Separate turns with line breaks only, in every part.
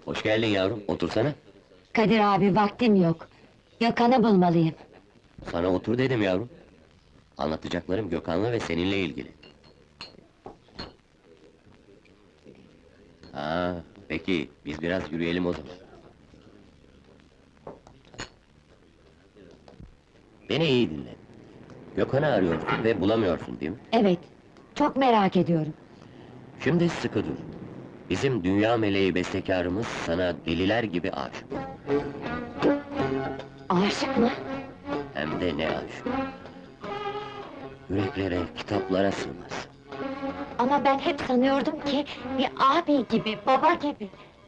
Hoş geldin yavrum, otursana.
Kadir abi, vaktim yok. Gökhan'ı bulmalıyım.
Sana otur dedim yavrum. Anlatacaklarım Gökhan'la ve seninle ilgili. Peki, biz biraz yürüyelim o zaman. Beni iyi dinle. Gökhan'ı arıyorsun ve bulamıyorsun değil mi?
Evet, çok merak ediyorum.
Şimdi sıkı dur. Bizim dünya meleği bestekarımız sana deliler gibi aşık.
Aşık mı?
Hem de ne aşık. Yüreklere, kitaplara sığmaz.
Ama ben hep sanıyordum ki... ...bir abi gibi, baba gibi.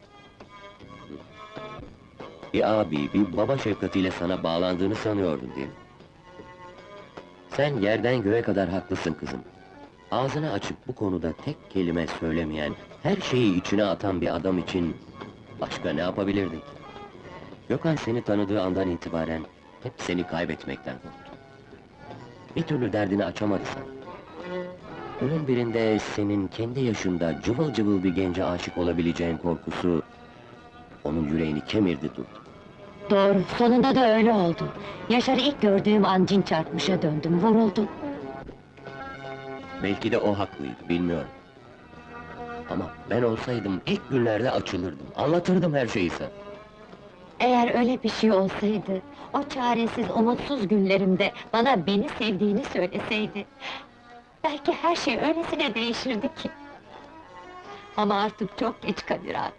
Bir abi, bir baba şefkatiyle sana bağlandığını sanıyordun değil mi? Sen yerden göğe kadar haklısın kızım. Ağzını açıp bu konuda tek kelime söylemeyen, her şeyi içine atan bir adam için... ...başka ne yapabilirdin ki? Gökhan seni tanıdığı andan itibaren hep seni kaybetmekten korktu. Bir türlü derdini açamadı sana. Günün birinde senin kendi yaşında cıvıl cıvıl bir gence aşık olabileceğin korkusu... ...onun yüreğini kemirdi durdu.
Doğru, sonunda da öyle oldu. Yaşar'ı ilk gördüğüm an cin çarpmışa döndüm, vuruldum.
Belki de o haklıydı, bilmiyorum. Ama ben olsaydım ilk günlerde açılırdım, anlatırdım her şeyi sana.
Eğer öyle bir şey olsaydı... ...o çaresiz, umutsuz günlerimde bana beni sevdiğini söyleseydi... ...belki her şey öylesine değişirdi ki. Ama artık çok geç Kadir abi.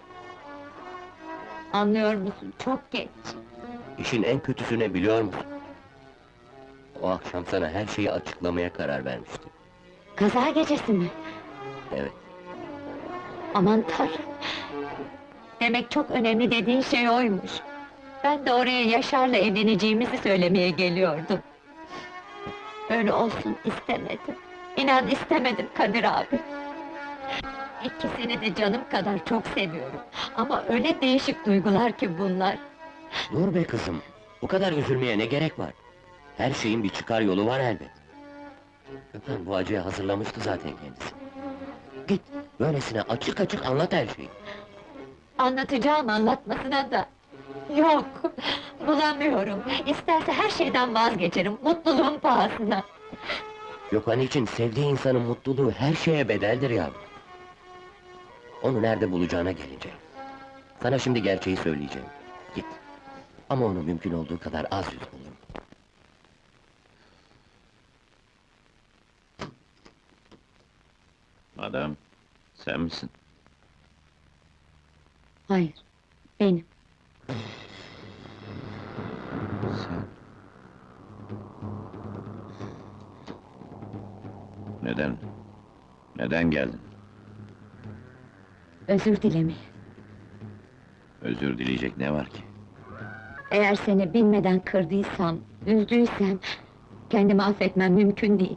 Anlıyor musun? Çok geç.
İşin en kötüsü ne biliyor musun? O akşam sana her şeyi açıklamaya karar vermiştim.
Kaza gecesi mi?
Evet,
Aman Tanrım! Demek çok önemli dediğin şey oymuş. Ben de oraya Yaşar'la evleneceğimizi söylemeye geliyordum. Öyle olsun istemedim. İnan istemedim Kadir abi. İkisini de canım kadar çok seviyorum. Ama öyle değişik duygular ki bunlar.
dur be kızım, bu kadar üzülmeye ne gerek var? Her şeyin bir çıkar yolu var elbet. Gökhan bu acıya hazırlamıştı zaten kendisi. Git, böylesine açık açık anlat her şeyi.
Anlatacağım anlatmasına da... Yok! Bulamıyorum! İsterse her şeyden vazgeçerim, mutluluğun pahasına!
Gökhan için sevdiği insanın mutluluğu her şeye bedeldir yavrum. Onu nerede bulacağına gelince. Sana şimdi gerçeği söyleyeceğim. Git. Ama onu mümkün olduğu kadar az yüz bulun.
Adam, sen misin?
Hayır, benim.
Sen... Neden? Neden geldin?
Özür dilemeye.
Özür dileyecek ne var ki?
Eğer seni bilmeden kırdıysam, üzdüysem... ...kendimi affetmem mümkün değil.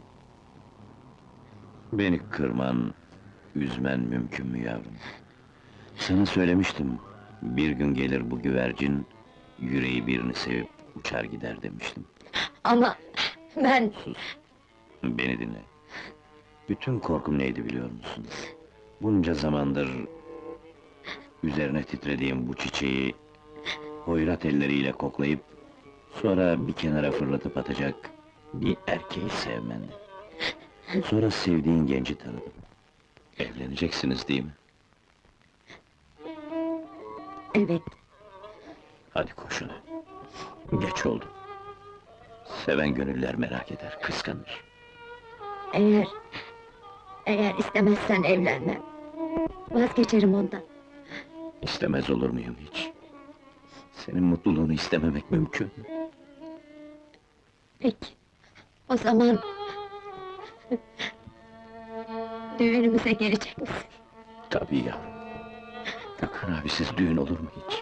Beni kırman, üzmen mümkün mü yavrum? Sana söylemiştim, bir gün gelir bu güvercin... ...yüreği birini sevip uçar gider demiştim.
Ama... ben...
Sus! Beni dinle. Bütün korkum neydi biliyor musun? Bunca zamandır... ...üzerine titrediğim bu çiçeği... ...hoyrat elleriyle koklayıp... ...sonra bir kenara fırlatıp atacak... ...bir erkeği sevmen. Sonra sevdiğin genci tanıdım. Evleneceksiniz değil mi?
Evet,
Hadi koşun. Geç oldu. Seven gönüller merak eder, kıskanır.
eğer... ...eğer istemezsen evlenmem. Vazgeçerim ondan.
İstemez olur muyum hiç? Senin mutluluğunu istememek mümkün mü?
Peki, o zaman... ...düğünümüze gelecek misin?
Tabii yavrum. Gökhan abisiz düğün olur mu hiç?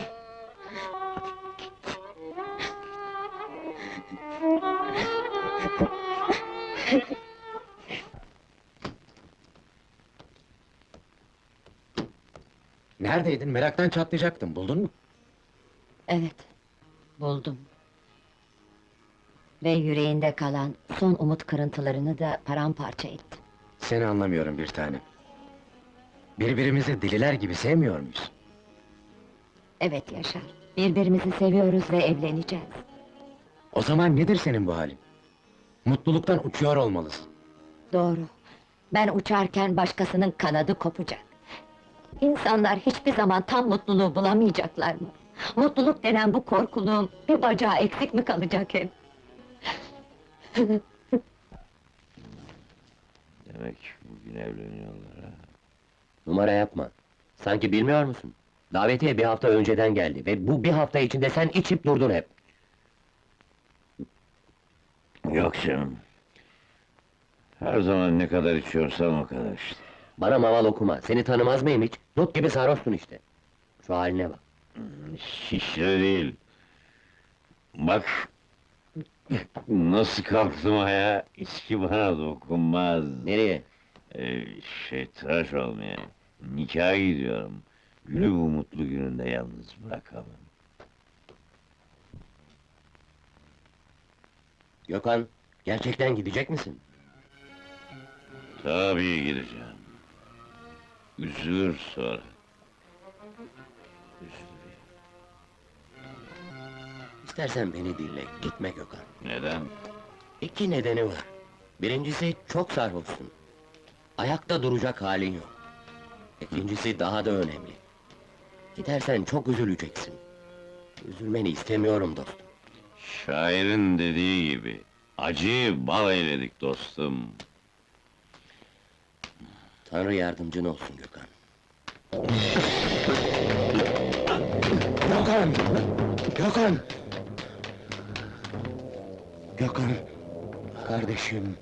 Neredeydin? Meraktan çatlayacaktım, buldun mu?
Evet, buldum. Ve yüreğinde kalan son umut kırıntılarını da paramparça ettim.
Seni anlamıyorum bir tanem. Birbirimizi deliler gibi sevmiyor muyuz?
Evet Yaşar, birbirimizi seviyoruz ve evleneceğiz.
O zaman nedir senin bu halin? Mutluluktan uçuyor olmalısın.
Doğru. Ben uçarken başkasının kanadı kopacak. İnsanlar hiçbir zaman tam mutluluğu bulamayacaklar mı? Mutluluk denen bu korkuluğun bir bacağı eksik mi kalacak hep?
Demek bugün evleniyorlar ha?
Numara yapma. Sanki bilmiyor musun? Davetiye bir hafta önceden geldi ve bu bir hafta içinde sen içip durdun hep.
Yok canım. Her zaman ne kadar içiyorsam o kadar işte.
Bana maval okuma, seni tanımaz mıyım hiç? Dut gibi sarhoşsun işte. Şu haline bak.
Şişre değil. Bak... Nasıl kalktım ayağa, içki bana dokunmaz.
Nereye?
Tıraş olmaya, nikaha gidiyorum. Gülü bu mutlu gününde yalnız bırakamam.
Gökhan, gerçekten gidecek misin?
Tabii gideceğim. Üzülür sonra. Üzülür.
İstersen beni dinle, gitme Gökhan.
Neden?
İki nedeni var. Birincisi, çok sarhoşsun. Ayakta duracak halin yok. İkincisi daha da önemli. Gidersen çok üzüleceksin. Üzülmeni istemiyorum dostum.
Şairin dediği gibi, acıyı bal eyledik dostum.
Tanrı yardımcın olsun Gökhan. Gökhan! Gökhan! Gökhan! Kardeşim!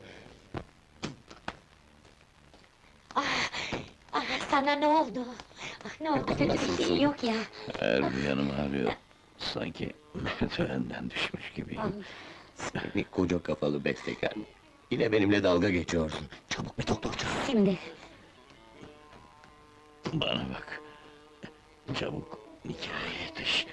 Sana ne oldu? Ne oldu? Kötü bir şey yok ya.
Her bir yanım ağrıyor. Sanki merdivenden düşmüş gibiyim.
Seni koca kafalı bestekar! Yine benimle dalga geçiyorsun. Çabuk bir doktor çağır.
Şimdi.
Bana bak. Çabuk nikaha yetiş.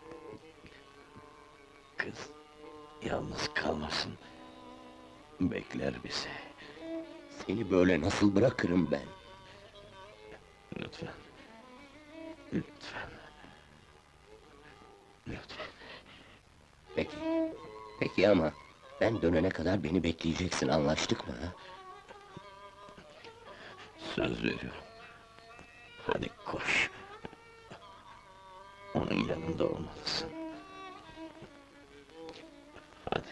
Kız yalnız kalmasın. Bekler bizi.
Seni böyle nasıl bırakırım ben?
Lütfen. Lütfen. Lütfen.
Peki. Peki ama... Ben dönene kadar beni bekleyeceksin, anlaştık mı ha?
Söz veriyorum. Hadi koş. Onun yanında olmalısın. Hadi.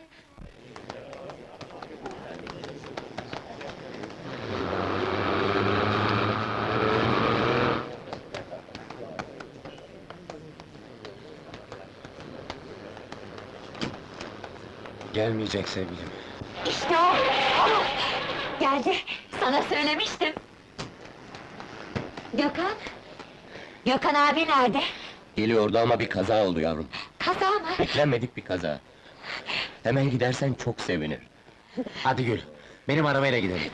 Gelmeyecek sevgilim.
İşte o! Geldi, sana söylemiştim. Gökhan? Gökhan abi nerede?
Geliyordu ama bir kaza oldu yavrum.
Kaza mı?
Beklenmedik bir kaza. Hemen gidersen çok sevinir.
Hadi Gül, benim arabayla gidelim.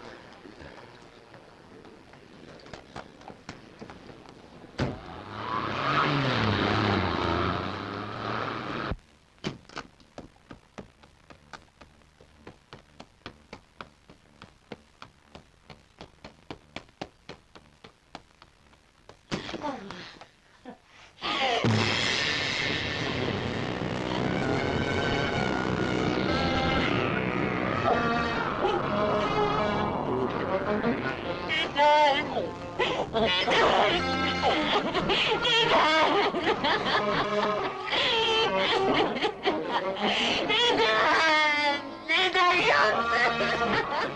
Neden yaptın?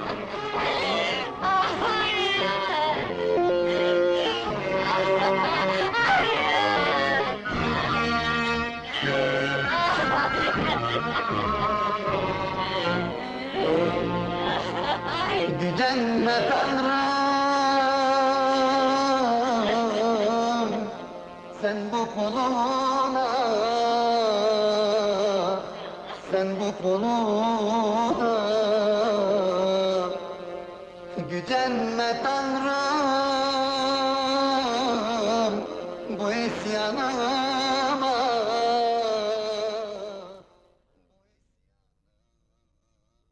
Gücenme Tanrım, sen bu kuluna, sen bu kuluna. Gücenme Tanrım, bu isyanıma.